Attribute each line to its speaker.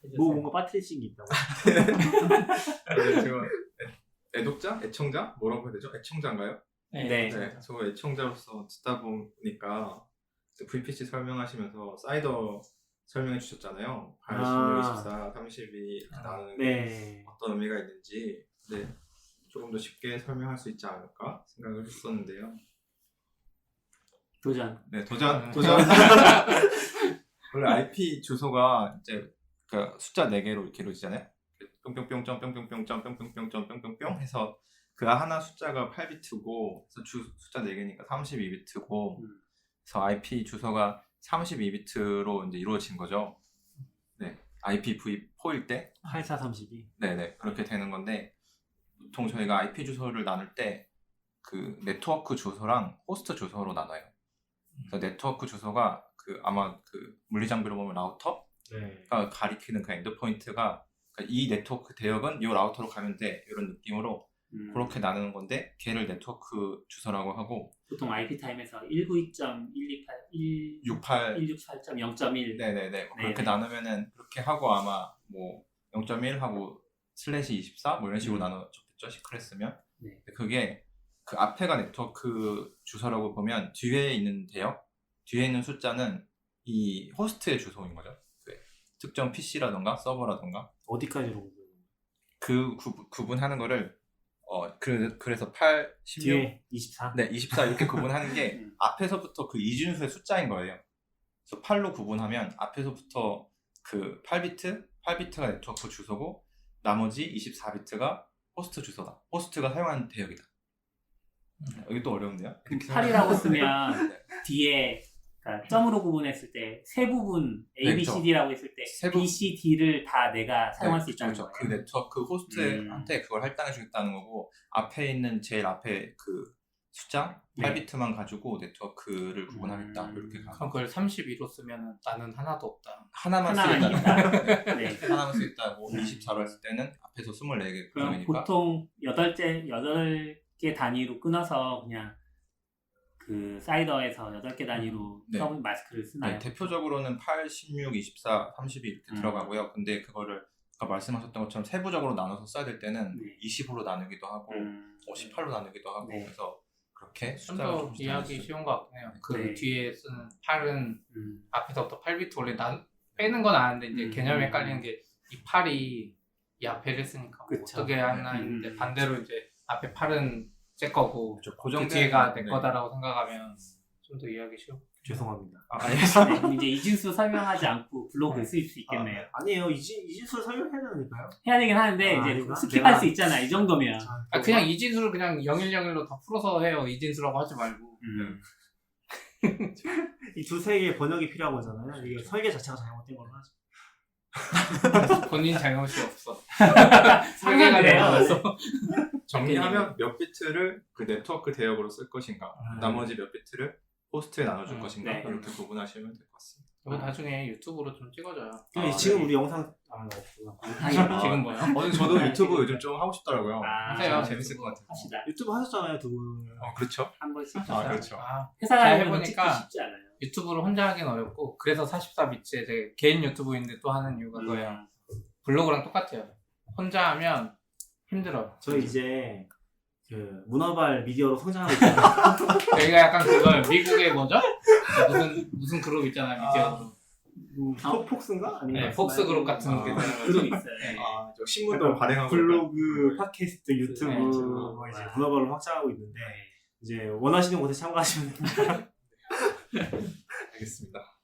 Speaker 1: 뭐 뭔가 빠트리신 게 있다고.
Speaker 2: 제가 애독자? 애청자? 뭐라고 해야 되죠? 애청자인가요?
Speaker 1: 네.
Speaker 2: 저 애청자로서 듣다 보니까 VPC 설명하시면서 사이더 설명해 주셨잖아요. 86, 24, 32 나누는 게 어떤 의미가 있는지 조금 더 쉽게 설명할 수 있지 않을까 생각을 했었는데요.
Speaker 1: 도전.
Speaker 2: 도전. 원래 IP 주소가 이제 그 숫자 4개로 이렇게 이루어지잖아요. 뿅뿅뿅점 뿅뿅뿅점 뿅뿅뿅점 뿅뿅뿅 해서 그 하나 숫자가 8비트고 그래서 숫자 4개니까 32비트고 그래서 IP 주소가 32비트로 이제 이루어진 거죠. 네, IPv4일 때
Speaker 1: 8432.
Speaker 2: 네네 그렇게 되는 건데 보통 저희가 IP 주소를 나눌 때 그 네트워크 주소랑 호스트 주소로 나눠요. 그래서 네트워크 주소가 그 아마 그 물리장비로 보면 라우터가 가리키는 그 엔드포인트가 그러니까 이 네트워크 대역은 이 라우터로 가면 돼 이런 느낌으로 그렇게 나누는 건데 걔를 네트워크 주소라고 하고
Speaker 1: 보통 IP 타임에서 192.168.0.1
Speaker 2: 네네네 그렇게 나누면은 그렇게 하고 아마 뭐 0.1 하고 슬래시 24 뭐 이런 식으로 나눠졌겠죠 시크릿으면 그게 그 앞에가 네트워크 주소라고 보면 뒤에 있는 대역 뒤에 있는 숫자는 이 호스트의 주소인 거죠. 특정 PC라던가 서버라던가
Speaker 1: 어디까지로
Speaker 2: 그 구분하는 거를 그래서 8, 16
Speaker 1: 뒤에 24?
Speaker 2: 네 24 이렇게 구분하는 게 앞에서부터 그 이진수의 숫자인 거예요. 그래서 8로 구분하면 앞에서부터 그 8비트가 네트워크 주소고 나머지 24비트가 호스트 주소다. 호스트가 사용하는 대역이다. 여기 또 어려운데요?
Speaker 1: 8이라고 쓰면 뒤에 그러니까 점으로 구분했을 때 세 부분 A, B, C, D라고 했을 때 B, C, D를 다 내가 사용할 수 있다는 거예요.
Speaker 2: 그 네트워크 호스트한테 그걸 할당해 주겠다는 거고 앞에 있는 제일 앞에 그 숫자 8비트만 가지고 네트워크를 구분하겠다 이렇게 가는
Speaker 3: 그럼 그걸 32로 쓰면 나는 하나도 없다.
Speaker 2: 하나만 쓰겠다. 하나만 쓰겠다. 뭐 24로 했을 때는 앞에서 24개
Speaker 1: 그럼 보통 8개 단위로 끊어서 그냥 그 사이더에서 8개 단위로 서브 마스크를 쓰나요?
Speaker 2: 대표적으로는 8, 16, 24, 32 이렇게 들어가고요. 근데 그거를 아까 말씀하셨던 것처럼 세부적으로 나눠서 써야 될 때는 20으로 나누기도 하고 18로 나누기도 하고 그래서 그렇게 숫자가
Speaker 3: 좀 더 이해하기 쉬운 것 같긴 해요. 그 뒤에 쓰는 8은 앞에서부터 8비트 원래 빼는 건 아는데 이제 개념이 헷갈리는 게 이 8이 이 앞에를 쓰니까 어떻게 하나 했는데 반대로 이제 앞에 8은 제 거고 그 뒤에가 내 거다라고 생각하면 좀 더 이해하기 쉬워.
Speaker 1: 죄송합니다.
Speaker 4: 이제 이진수 설명하지 않고 블로그에 쓰일 수 있겠네요.
Speaker 1: 아니에요. 이진수 설명해야 되니까요.
Speaker 4: 해야 되긴 하는데 이제 스킵할 수 있잖아. 이 정도면.
Speaker 3: 그냥 이진수를 그냥 0101로 다 풀어서 해요. 이진수라고 하지 말고.
Speaker 1: 이 두세 개의 번역이 필요한 거잖아요. 이게 설계 자체가 잘못된 걸로 하죠.
Speaker 3: 본인 잘못이 없어.
Speaker 4: 설계가 돼요.
Speaker 2: 정리하면 몇 비트를 그 네트워크 대역으로 쓸 것인가 나머지 몇 비트를 호스트에 나눠줄 것인가 이렇게 구분하시면 될 것 같습니다.
Speaker 3: 이거 나중에 유튜브로 좀 찍어줘요.
Speaker 1: 지금 우리 영상
Speaker 3: 지금 뭐요?
Speaker 2: 저도 유튜브 요즘 좀 하고 싶더라고요.
Speaker 3: 하세요.
Speaker 2: 재밌을 것 같아요.
Speaker 4: 합시다.
Speaker 1: 유튜브 하셨잖아요, 두 분.
Speaker 2: 그렇죠.
Speaker 4: 한 번씩.
Speaker 2: 그렇죠.
Speaker 4: 회사 다니면 찍기
Speaker 3: 해보니까
Speaker 4: 쉽지 않아요.
Speaker 3: 유튜브로 혼자 하긴 어렵고 그래서 44비트에 제 개인 유튜브인데 또 하는 이유가 그거예요. 블로그랑 똑같아요. 혼자 하면 힘들어요.
Speaker 1: 저 이제 그 문어발 미디어로 성장하고 있잖아요.
Speaker 3: 여기가 약간 그걸 미국의 뭐죠? 무슨 그룹 있잖아요, 미디어로.
Speaker 1: 폭스인가? 아니면
Speaker 3: 폭스 그룹 같은
Speaker 4: 그룹 있어요.
Speaker 2: 저 신문도 발행하고
Speaker 1: 블로그, 팟캐스트, 유튜브 이제 문어발로 확장하고 있는데 이제 원하시는 곳에 참가하시면 됩니다.
Speaker 2: 알겠습니다.